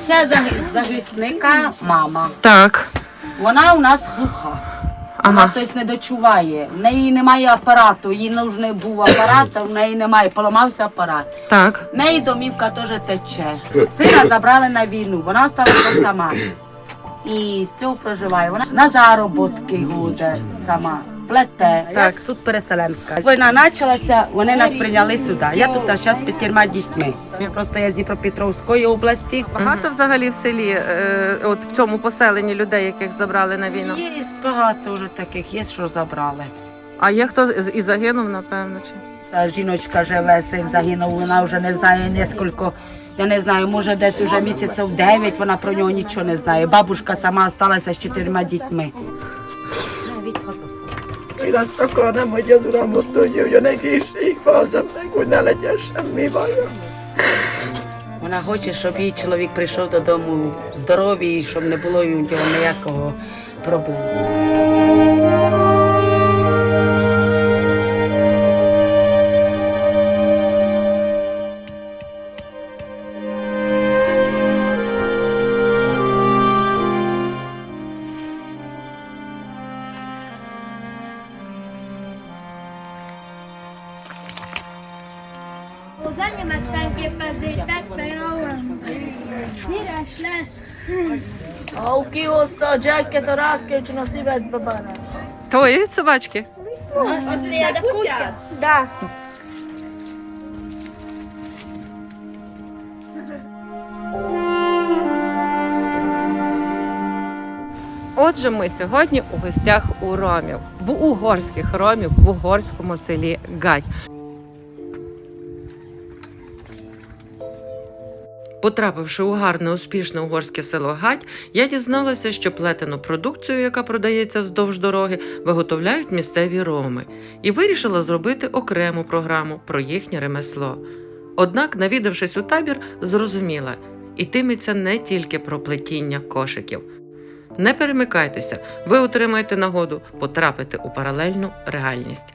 Оце захисника мама. Так. Вона у нас глуха. Вона тобто не дочуває. В неї немає апарату, їй нужний був апарат, а в неї немає, поламався апарат. Так. В неї домівка теж тече. Сина забрали на війну, вона залишилася сама. І з цього проживає. Вона на заробітки ходить сама, плете. Так, тут переселенка. Війна почалася, вони нас прийняли сюди. Я тут зараз з 5 дітьми. Просто я з Дніпропетровської області. Багато взагалі в селі, от в цьому поселенні людей, яких забрали на війну? Є багато вже таких, є, що забрали. А є хто і загинув, напевно, чи? Та жіночка живе, син загинув, вона вже не знає нескільки, я не знаю, може десь вже місяців 9, вона про нього нічого не знає. Бабушка сама залишилася з 4 дітьми. Én azt akarnám, hogy az Uram ott tudja, hogy a egészség hazamnek, hogy ne legyen semmi baja. Вона хоче, щоб її чоловік прийшов додому здоровий, щоб не було у нього ніякого проблему. Az enyémet fenképezzétek, de jó. Híres lesz. Ha kihozta a jacket, a rákölcsön a szívedbe bána. Твої собачки? Azt a tiéd a kutya? Da. Отже, ми сьогодні у гостях у ромів, в угорських ромів, в угорському селі Гать. Потрапивши у гарне, успішне угорське село Гать, я дізналася, що плетену продукцію, яка продається вздовж дороги, виготовляють місцеві роми. І вирішила зробити окрему програму про їхнє ремесло. Однак, навідавшись у табір, зрозуміла – йтиметься не тільки про плетіння кошиків. Не перемикайтеся, ви отримаєте нагоду потрапити у паралельну реальність.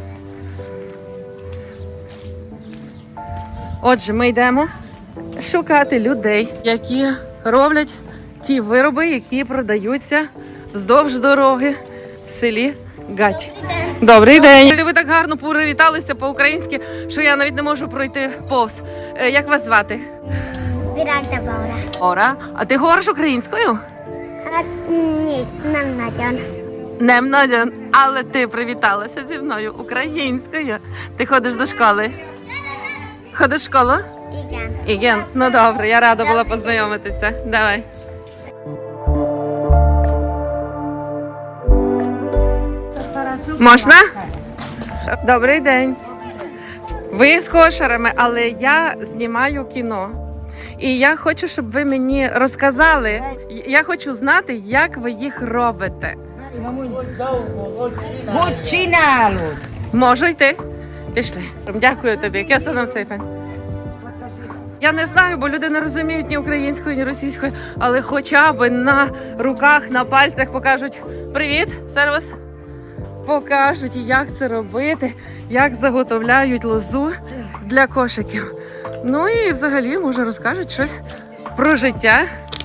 Отже, ми йдемо шукати людей, які роблять ті вироби, які продаються вздовж дороги в селі Гать. Добрий день! Ви так гарно привіталися по-українськи, що я навіть не можу пройти повз. Як вас звати? Virágta Bára. Ора. А ти говориш українською? Hát nem nagyon. Немнадян, але ти привіталася зі мною українською. Ти ходиш до школи? Ходиш в школу? Igen. Іген, ну добре, я рада була познайомитися. Давай. Можна? Добрий день. Ви з кошарами, але я знімаю кіно. І я хочу, щоб ви мені розказали, я хочу знати, як ви їх робите. Можу йти? Пішли. Дякую тобі. Кесоном сейпен. Я не знаю, бо люди не розуміють ні українською, ні російською, але хоча б на руках, на пальцях покажуть «Привіт, сервіс!» Покажуть, як це робити, як заготовляють лозу для кошиків. Ну і взагалі, може, розкажуть щось про життя.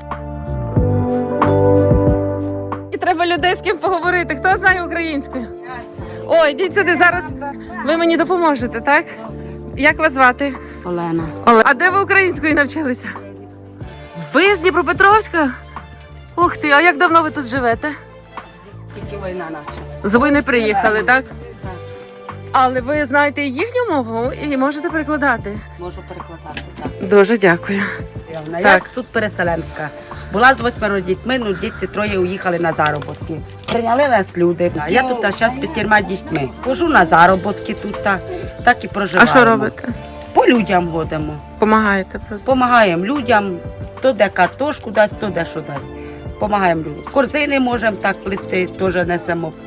І треба людей з ким поговорити. Хто знає українською? Ой, йдіть сюди, зараз ви мені допоможете, так? Як вас звати? Олена. А де ви українською навчилися? Ви з Дніпропетровська? Ух ти, а як давно ви тут живете? Тільки війна почалася. З війни приїхали, так? Але ви знаєте їхню мову і можете перекладати? Можу перекладати, так. Дуже дякую. Я Так. тут переселенка. Була з 8 дітьми, ну діти троє уїхали на заробітки. Прийняли нас люди. Я тут зараз з 5 дітьми. Хожу на заробітки тут, так і А проживаємо. що робите? По людям ходимо. Помагаєте просто? Помагаємо людям, то де картошку дасть, то де що дасть. Помагаємо людям. Корзини можемо так плести, теж несемо.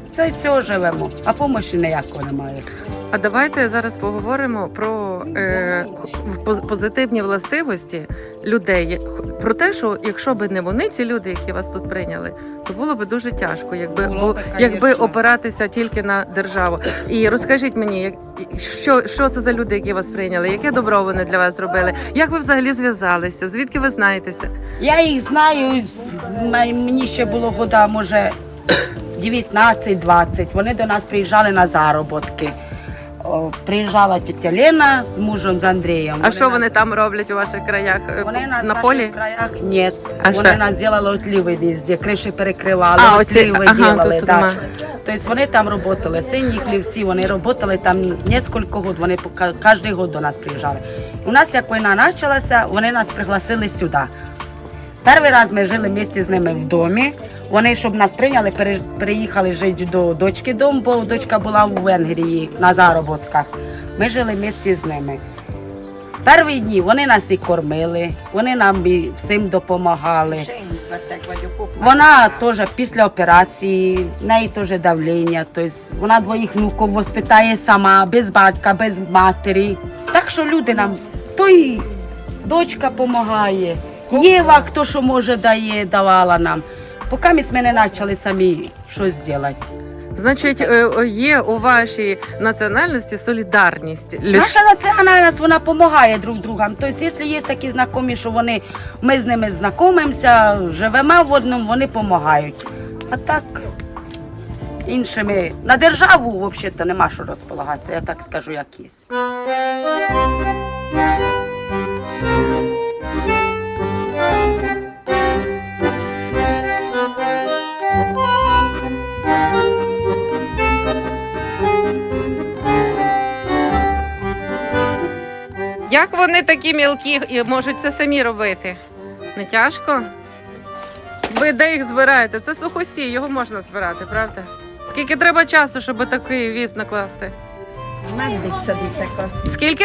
Все з цього живемо, а помощі ніякої немає. А давайте зараз поговоримо про позитивні властивості людей. Про те, що якщо б не вони, ці люди, які вас тут прийняли, то було б дуже тяжко, Було б, якби конечно. опиратися тільки на державу. І розкажіть мені, що це за люди, які вас прийняли? Яке добро вони для вас зробили? Як ви взагалі зв'язалися? Звідки ви знаєтеся? Я їх знаю, мені ще було года, може, 19-20. Вони до нас приїжджали на заробітки. Приїжджала тітя Лена з мужем, з Андрієм. А що вони там роблять у ваших краях? Вони нас На в полі? наших краях ні. А Вони що? нас зробили отліви везде, криші перекривали, А, оці- отліви ага, робили. тут нема. Тобто вони там працювали, син їхні всі, вони працювали там кілька років, вони кожен рік до нас приїжджали. У нас, як війна почалася, вони нас пригласили сюди. Перший раз ми жили місті з ними в домі. Вони, щоб нас прийняли, переїхали жити до дочки дому, бо дочка була в Венгрії на заробітках. Ми жили місті з ними. Перші дні вони нас і кормили, вони нам і всім допомагали. Вона теж після операції, в неї теж давлення, тобто вона двоїх внуків воспитає сама, без батька, без матері. Так що люди нам, то і дочка допомагає, Єва, хто що може дає, давала нам. Поки ми не почали самі щось робити. Значить, є у вашій національності солідарність. Наша національність, вона допомагає друг другам. Тобто, якщо є такі знайомі, що ми з ними знайомимося, живемо в одному, вони допомагають. А так, іншими, на державу взагалі нема що розполагатися, я так скажу, як є. Як вони такі мілкі і можуть це самі робити? Не тяжко? Ви де їх збираєте? Це сухостій, його можна збирати, правда? Скільки треба часу, щоб такий віз накласти? Meddig szedik az? Скільки?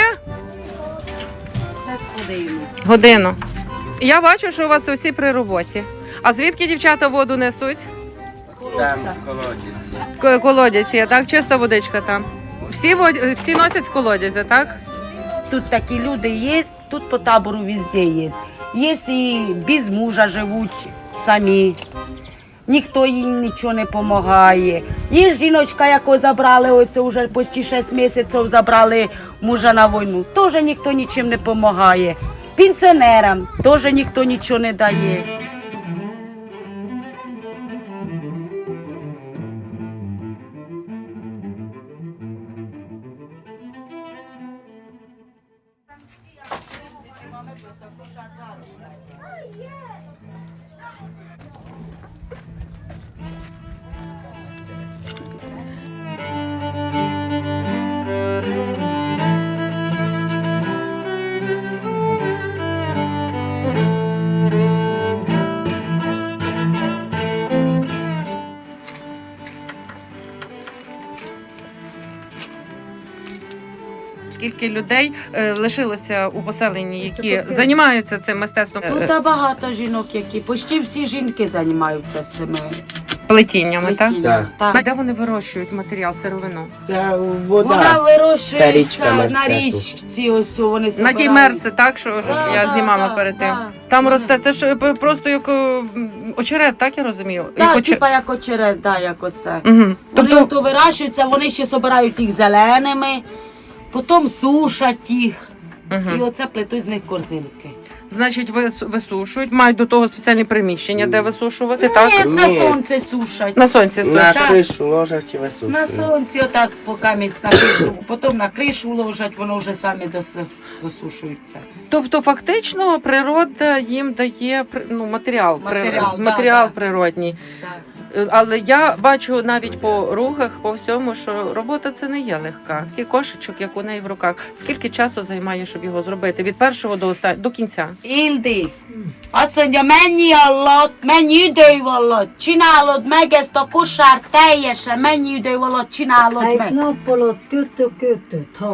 Годину. Я бачу, що у вас усі при роботі. А звідки дівчата воду несуть? Там з колодязі. Колодязь є, так? Чиста водичка там. Всі носять з колодязя, так? Тут такі люди є, тут по табору везде є. Є і без мужа живуть самі. Ніхто їм нічого не допомагає. Є жіночка, яку забрали, ось вже почти 6 місяців забрали мужа на війну. Теж ніхто нічим не допомагає. Пенсіонерам теж ніхто нічого не дає. Скільки людей лишилося у поселенні, які займаються цим мистецтвом? Тут багато жінок, які почти всі жінки займаються з цими Плетіннями, так? плетіннями. А Так. де вони вирощують матеріал, сировину? Це Вона вода. вирощується річка на Мерцету. річці, ось вони На собирають. тій мерці, так, що Да, я да, знімала да, перед тим. да. Там Вони- росте, це ж просто як очерет, так я розумію? Так, типа як очерет, да, як оце. Угу. Вони Тобто, то вирощуються, вони ще збирають їх зеленими, потім сушать їх. І угу. оце плетуть з них корзинки. Значить, висушують, мають до того спеціальні приміщення, де висушувати, так? Ні, на Ні. сонце сушать. На сонці На сушать. кришу ложать і висушують. На сонці отак поки місць на кришу, потім на кришу ложать, воно вже самі досушується. Тобто, фактично, природа їм дає матеріал, Матеріал, да. природній. Так. Але я бачу навіть по рухах, по всьому, що робота це не є легка. І кошечок, як у неї в руках. Скільки часу займає, щоб його зробити? Від першого до кінця? Ildi, azt mondja, mennyi alatt, mennyi idő alatt csinálod meg ezt a kosár teljesen, mennyi idő alatt csinálod Egy meg? nap alatt kötök 5-6.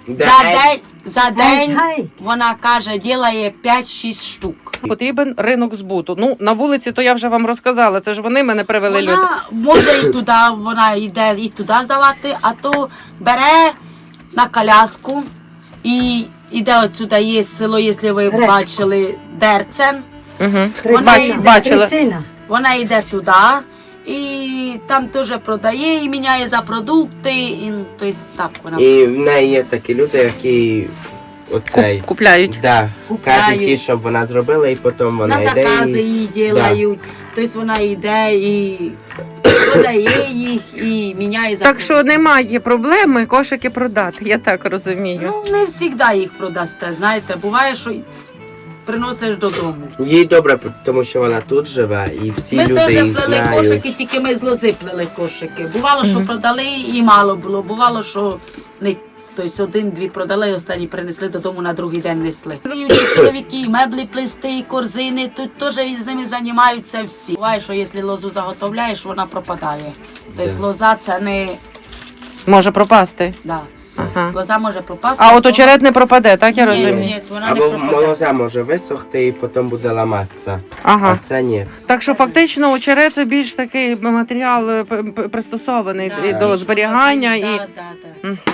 За день вона каже, ділає 5-6 штук. Потрібен ринок збуту. Ну, на вулиці то я вже вам розказала, це ж вони мене привели люди. Вона може і туди, вона йде і туди здавати, а то бере на коляску і йде отсюди, є село, якщо ви бачили, Дерцен. Угу. Вона Бачила. Вона йде туди і там теж продає і міняє за продукти. І, тобто, так вона І в неї є такі люди, які оцей. Купляють. Да, Купляють. кажуть їй, щоб вона зробила, і потім вона на йде. закази І... її ділають. Тобто вона йде і продає їх і міняє за Так що немає проблеми кошики продати, я так розумію. Ну, не завжди їх продасте, знаєте, буває, що приносиш додому. Їй добре, тому що вона тут живе, і всі Ми люди теж її плели знають. кошики, тільки ми з лози плели кошики. Бувало, що продали і мало було, бувало, що не. Тобто один-дві продали, останні принесли додому, на другий день несли. І чоловіки, і меблі плести, і корзини, тут теж з ними займаються всі. Буває, що якщо лозу заготовляєш, вона пропадає. Тобто лоза це не... Може пропасти. Да. Ага. Лоза може пропасти. А от очерет не пропаде, так я Ні, розумію? ні, вона не Або пропаде. лоза може висохти і потім буде ламатися. Ага. А це ні. Так що фактично очерет це більш такий матеріал пристосований Да. до зберігання Да, і. да, да. Мгм.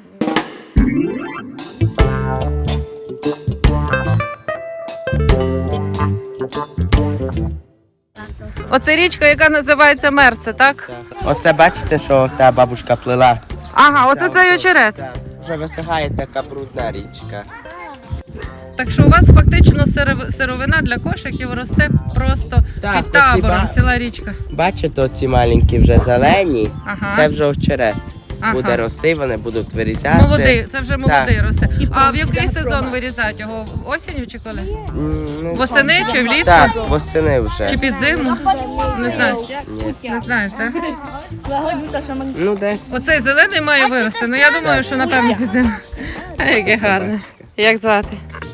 Оце річка, яка називається Мерсе, так? Оце бачите, що та бабушка плела. Ага, оце цей очерет. Так. Вже висихає така брудна річка. Так що у вас фактично сировина для кошиків росте просто Так, під оці табором, ціла річка. Бачите, оці маленькі вже зелені, Ага. це вже очерет. Ага. Буде рости, вони будуть вирізати. Молодий, це вже молодий Так. росте. А в який сезон вирізають його? Осінню чи коли? Ну, Восени чи влітку? так, восени вже. Чи під зиму? Не знаю. Ні. Не знаєш, так? Ну, десь. Оцей зелений має вирости. Ну я думаю, що напевно під зиму. Яке гарне. Як звати?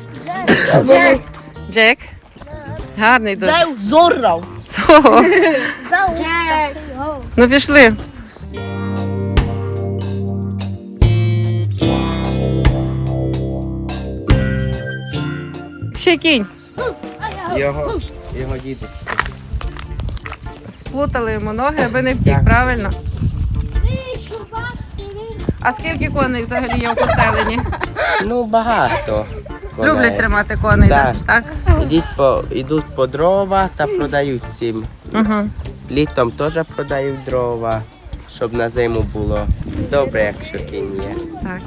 Джек. Гарний дуже. Зоррав. Ого. Jack. Ну пішли. Ще кінь. Його діду. Сплутали йому ноги, аби не втік, Так. правильно? А скільки коней взагалі є в поселенні? Ну, багато. коней. Люблять тримати коней, Так. так? Ідуть по дрова та продають всім. Угу. Літом теж продають дрова, щоб на зиму було добре, якщо кінь є. Так.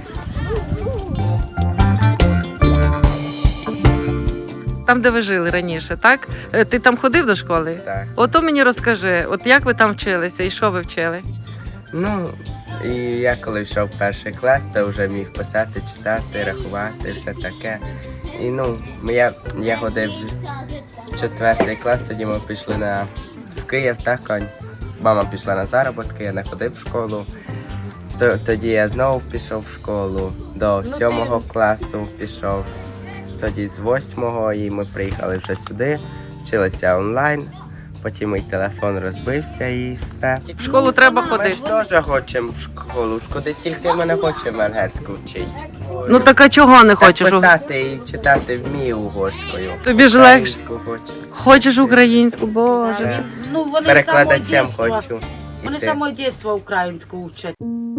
Там, де ви жили раніше, так? Ти там ходив до школи? Так. Ото мені розкажи, от як ви там вчилися і що ви вчили? Ну, і я коли йшов в перший клас, то вже міг писати, читати, рахувати, все таке. І ну, я ходив в 4 клас, тоді ми пішли в Київ, так, мама пішла на заробітки, я не ходив в школу. Тоді я знову пішов в школу, до 7 класу пішов, тоді з 8-го, і ми приїхали вже сюди, вчилися онлайн, потім мій телефон розбився і все. В школу треба Ми ходити. ж теж хочемо в школу шкодити, тільки ми не хочемо венгерську вчити. Ну так а чого не хочеш? Так писати і читати вмію угорською. Тобі ж легше. Українську хочу. Хочеш українську, Боже. Ну, вони Перекладачем самого дитинства. хочу. Вони іти. самого дитинства українську вчать.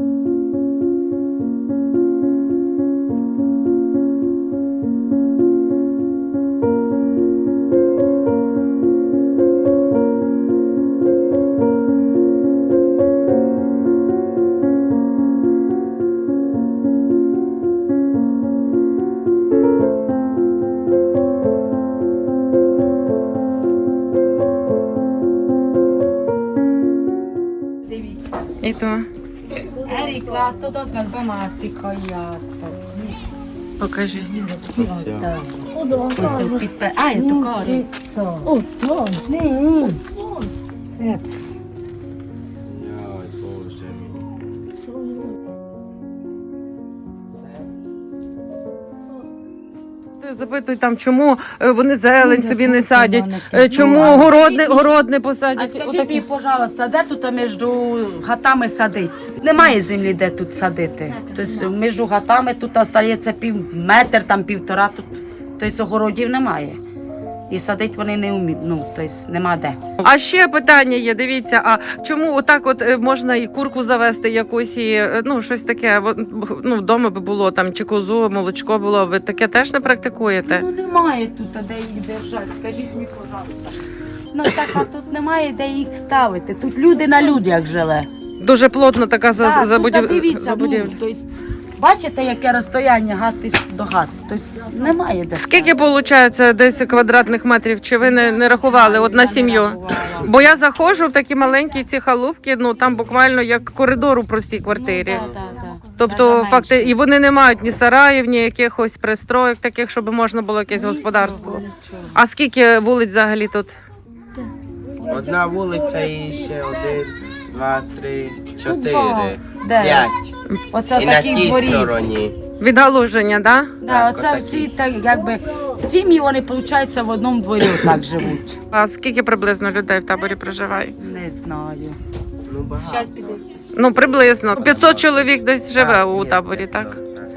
І то. Erik, látod, az meg bemászik, ha jártok. Покажи. Все. Ось підпе... Álljatok arra. Ой, Боже мій. Запитують там, чому вони зелень собі не садять, Ну, чому а город не А посадять. скажіть Отакі. мені, пожалуйста, де тут між хатами садить? Немає землі, де тут садити. Тобто між хатами тут остається метр, там 1,5, тут тобто, огородів немає. І садити вони не вміють, тобто нема де. А ще питання є, дивіться, а чому отак от можна і курку завести якусь, і щось таке, вдома би було там, чи козу, молочко було, ви таке теж не практикуєте? Немає тут, де їх держати, скажіть мені, пожалуйста. Так, а тут немає, де їх ставити. Тут люди на людях живе. Дуже плотно така Так, забудівля. тут, дивіться, тобто, бачите, яке розстояння хати до хати? Тобто немає де. Скільки виходить десь квадратних метрів? Чи ви не рахували от на сім'ю? Бо я заходжу в такі маленькі ці халупки, там буквально як коридор у простій квартирі. Тобто, факти, і вони не мають ні сараїв, ні якихось пристроїк таких, щоб можна було якесь господарство. А скільки вулиць взагалі тут? Одна вулиця і ще 1, 2, 3, 4, Де? 5. Оце І на такі тій дворі. стороні. Відгалуження, так? Да, Так, оце отакі. всі так, якби сім'ї вони, виходить, в одному дворі так живуть. А скільки приблизно людей в таборі проживає? Не знаю. Ну, багато. Приблизно. 500 чоловік десь живе Так, у є, таборі, 500, так?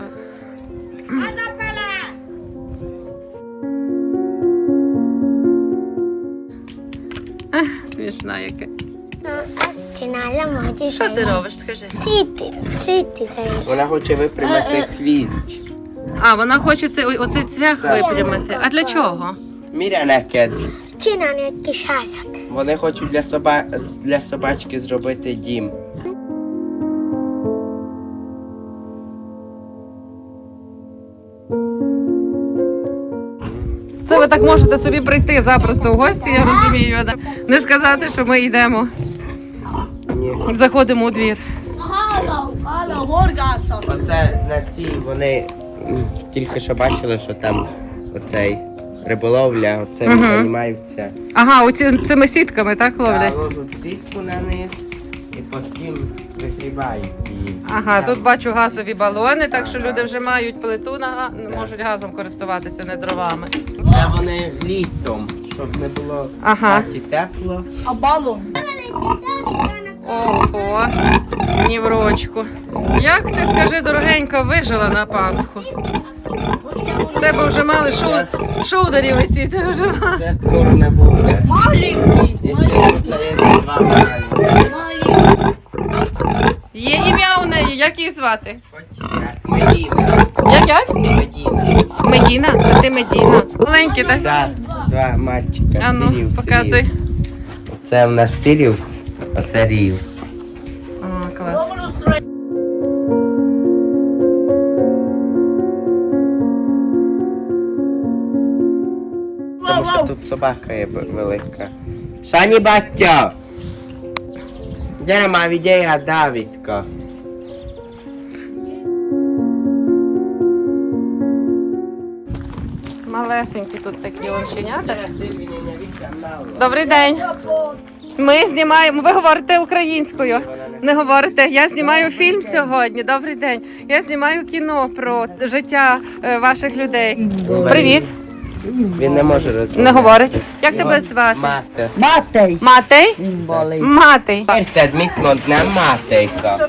Смішна яке. Azt csinálom, hogy Що ти робиш, скажи? szétizem. Вона хоче випрямити хвіст. А, вона хоче оцей цвях Так. випрямити. А для чого? Міря некед. Csinálni egy kis házat. Вони хочуть для собачки зробити дім. Це ви так можете собі прийти запросто в гості, я розумію. Да? Не сказати, що ми йдемо. Ні. Заходимо у двір. Оце на цій вони тільки що бачили, що там оцей риболовля, оце Мгм. займаються. Ага, цими сітками, так, ловлять? Та ложуть сітку на низ і потім вигрібають її. Ага, Там тут бачу газові балони, так що люди вже мають плиту, можуть газом користуватися, не дровами. Це вони літом, щоб не було Ага. в хаті тепло. Ого, ні в рочку. як ти, скажи, дорогенька, вижила на Пасху? З тебе вже мали шулдері висіти, вже мали. Вже скоро не буде. Маленький. І ще тут є два маленькі. Є ім'я у неї, як її звати? Медіна. Як? Медіна. Медіна? А ти Медіна. Маленькі, так? Так, два мальчика. А ну, Сіріус, показуй. Сіріус. Оце в нас Сіріус, оце Ріус. О, клас. Тому що тут собака є велика. Шані батько! Де нема відея Давідка? Малесенькі тут такі онченята. Добрий день. Ми знімаємо. Ви говорите українською. Не говорите. Я знімаю фільм сьогодні. Добрий день. Я знімаю кіно про життя ваших людей. Привіт. Він не може розмовляти. Не говорить. Як тебе звати? Мати. Матей. Матей? Імболий. Матей. Érted, mit mond, nem Mátéka?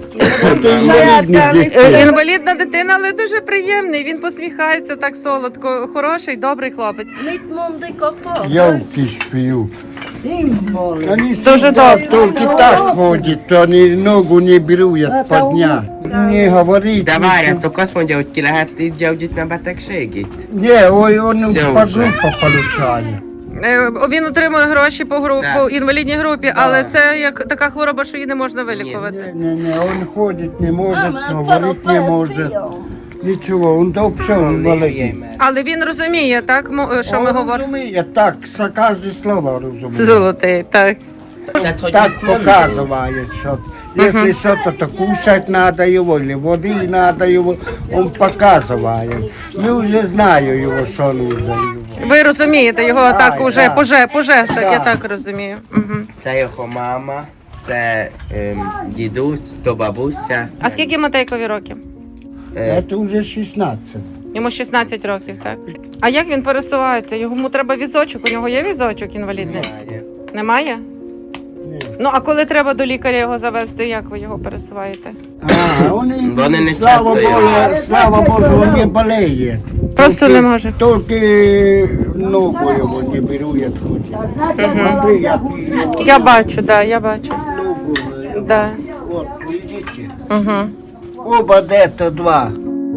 Інвалідна дитина, але дуже приємний. Він посміхається так солодко. Хороший, добрий хлопець. Jó kisfiú. Імболий. Oni Дуже добре. Тільки так ходять, то вони ногу не беруть по дня. Не говорить. De várjatok, azt mondja, hogy ki lehet így gyógyítani a betegségét? Ні, ой, він Все по вже. групу получає. Він отримує гроші по Так. інвалідній групі, але це як така хвороба, що її не можна вилікувати. Ні, він ходить не може, говорити не може. Нічого, він до всього інвалідний. Але він розуміє, так, що ми Він говоримо. розуміє, так, за кожне слово розуміє. Золотий, так. Tehát, hogy Так mit mondod? показує, що якщо що-то кушать надо його, или води надо його, він показує. Ми вже знаємо його, що нужно його. Ви розумієте його Так, так уже так. по жестах, я Так. так розумію. Угу. Це його мама, це дідусь, то бабуся. А скільки Матейкові років? Е, Це вже 16. Йому 16 років, так? А як він пересувається? Йому треба візочок, у нього є візочок інвалідний? Немає. Немає? Ну, а коли треба до лікаря його завести, як ви його пересуваєте? Вони не слава часто Богу, слава Богу, он не болеет. Просто не може. Только ногу его не берут хоть. Смотри, Я бачу, да, я бачу. ногу. Да. Вот, видите? Угу. Оба где-то два.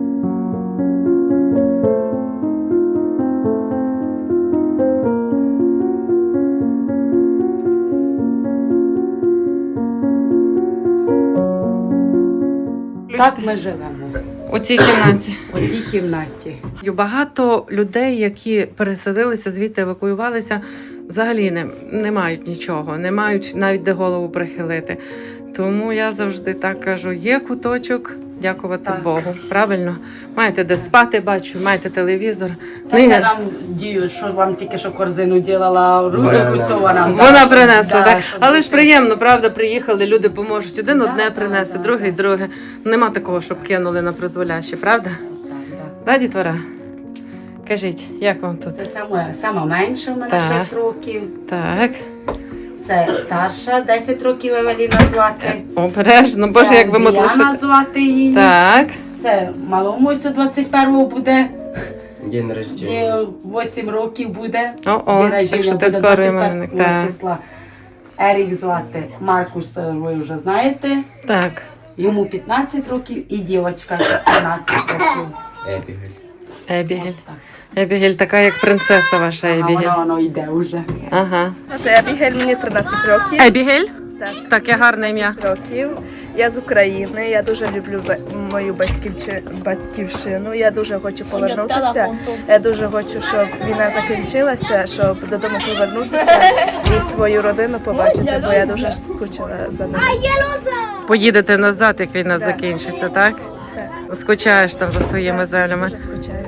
Так ми живемо У цій кімнаті. у тій кімнаті. Багато людей, які переселилися звідти, евакуювалися, взагалі не мають нічого, не мають навіть де голову прихилити. Тому я завжди так кажу: є куточок, дякувати Так. Богу. Правильно? Маєте де спати, бачу, маєте телевізор. Та це нам дію, що вам тільки що корзину ділала, ручку, то вона. Вона принесла, Да, так? щоб Але ж бути. приємно, правда, приїхали, люди поможуть. Один одне Да, принесе, да, другий да. друге. Нема такого, щоб кинули на призволяще, правда? Да, дітвора? Кажіть, як вам тут? Це сама менша, у мене Так. 6 років. Так, Це старша, 10 років Евеліна звати. обережно, боже, Це як ви Діана мотлишите. звати її. Так, Це малому ось 21-го буде. День рождення. Їй 8 років буде. о, День так що рождення ти буде скоро іменинник. 25 Так, числа. Ерік звати. Маркус, ви вже знаєте. так. Йому 15 років і дівчинка 15 років. Ебігель. Ебігель. Ебігель така, як принцеса ваша А Ебігель. воно йде вже. Ага. Це Ебігель, мені 13 років. Ебігель? Так. Таке гарне ім'я. Років. Я з України, я дуже люблю мою батьківщину, я дуже хочу повернутися. Я дуже хочу, щоб війна закінчилася, щоб додому повернутися і свою родину побачити, бо я дуже скучила за ними. Поїдете назад, як війна Так. закінчиться, так? Так, Скучаєш там за своїми землями. дуже скучаю.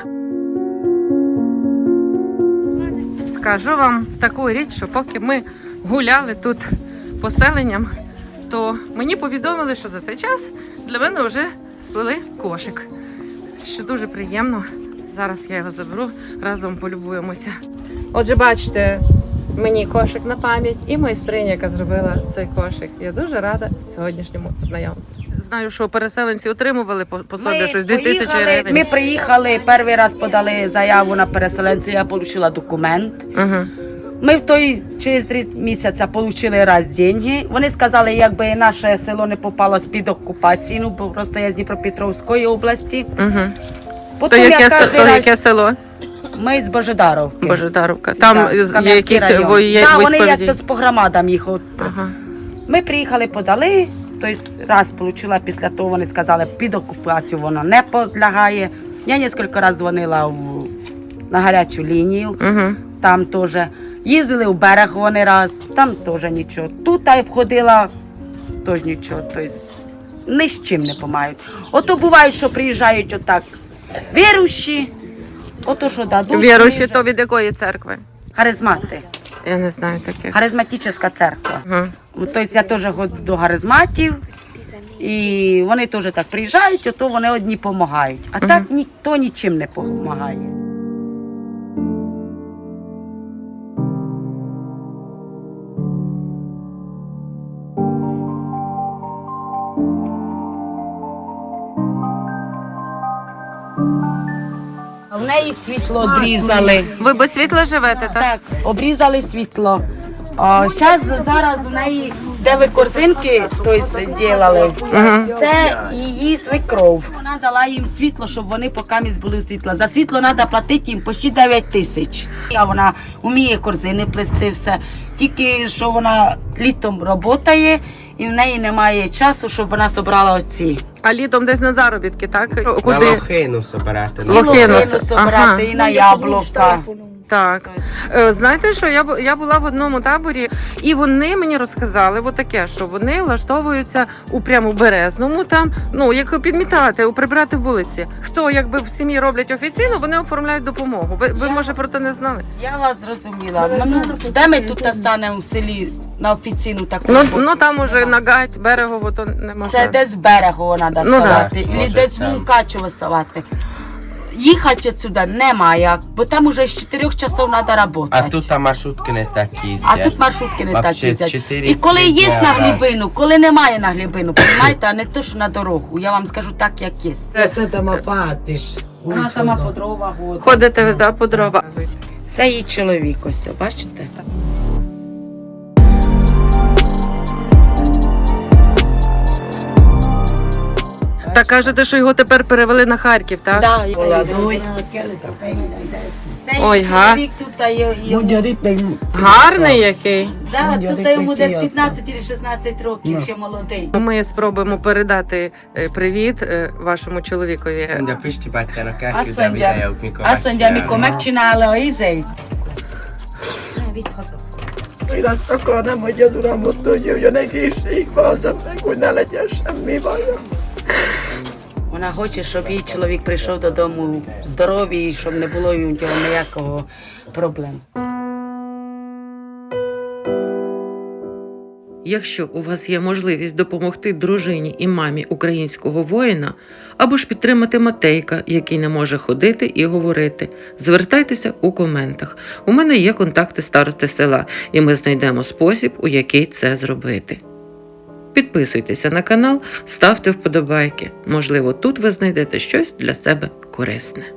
Скажу вам таку річ, що поки ми гуляли тут поселенням, то мені повідомили, що за цей час для мене вже сплели кошик. Що дуже приємно. Зараз я його заберу, разом полюбуємося. Отже, бачите, мені кошик на пам'ять і майстриня, яка зробила цей кошик. Я дуже рада сьогоднішньому знайомству. Знаю, що переселенці отримували по собі щось 2000 гривень. Ми приїхали, перший раз подали заяву на переселенця, я отримала документ. Угу. Ми через 3 місяці отримали раз деньги. Вони сказали, якби наше село не попало під окупацію, бо просто я з Дніпропетровської області. Угу. То Потім я яке, кожен то раз- яке село? Ми з Божедаровки. Божедаровка. Там Так, є Кам'янський якісь район. є Да, вони військові. як по громадам їх. Ага. Ми приїхали, подали, тобто раз отримала, після того вони сказали, під окупацію воно не підлягає. Я кілька разів дзвонила на гарячу лінію, Угу. там теж. Їздили в берег вони раз, там теж нічого. Тут я обходила, теж нічого. Тобто ні з чим не допомагають. Ото бувають, що приїжджають отак віруючі, ото що дадуть. Віруючі то від якої церкви? Харизмати. Я не знаю таких. Харизматична церква. Угу. Тобто я теж ходжу до харизматів, і вони теж так приїжджають, ото вони одні допомагають. А так ніхто нічим не допомагає. В неї світло обрізали. Ви без світла живете, так? Так, обрізали світло. Зараз у неї, де ви корзинки робили, це її свекров. Вона дала їм світло, щоб вони поки були у світло. За світло треба платити їм почти 9 тисяч. А вона вміє корзини плести все. Тільки що вона літом працює і в неї немає часу, щоб вона зібрала оці. А літом десь на заробітки, так? На Куди? лохину собирати. І Лохину лохину ага. зібрати, і на яблука. Так. Знаєте, що я була в одному таборі, і вони мені розказали таке, що вони влаштовуються у прямо Березному, там, ну, як підмітати, прибирати вулиці. Хто якби в сім'ї роблять офіційно, вони оформляють допомогу. Ви може, про це не знали? Я вас зрозуміла. Де ми тут станемо в селі на офіційну таку? Ну там уже на гать, берегово, то не можна. Це десь з берегу треба Ну, ставати, да. або Може, десь там. Мункачево ставати. їхати отсюда немає, бо там уже з 4 часов треба А працювати. тут маршрутки не такі їздять. А тут маршрутки не так Вообще їздять. 4 І коли є дня на раз. глибину, коли немає на глибину, розумієте, а не то, що на дорогу. Я вам скажу так, як є. Ezt nem a fát is. Вона сама по дрова ходить. Ходите ви да, по дрова? Це її чоловік ось, бачите? Та кажете, що його тепер перевели на Харків, так? Да, Oladói. це Ой, її га. чоловік тут, а йому... Mondjad itt meg... Гарний який. Да, Mondjad тут itt йому meg десь fiatal. 15 чи 16 років, ще молодий. Ми спробуємо передати привіт вашому чоловікові. Mondja Pisti bátyának Azt elküldem mondja, videót, mikor azt mondja, megcsinálja. amikor megcsinálja a izét. Ne, vidd haza. Én azt akarnám, hogy az uram ott jöjjön egészségbe, az meg, hogy ne legyen semmi baja. Вона хоче, щоб її чоловік прийшов додому здоровий, щоб не було у нього ніякого проблем. Якщо у вас є можливість допомогти дружині і мамі українського воїна, або ж підтримати Матейка, який не може ходити і говорити, звертайтеся у коментах. У мене є контакти старости села, і ми знайдемо спосіб, у який це зробити. Підписуйтеся на канал, ставте вподобайки. Можливо, тут ви знайдете щось для себе корисне.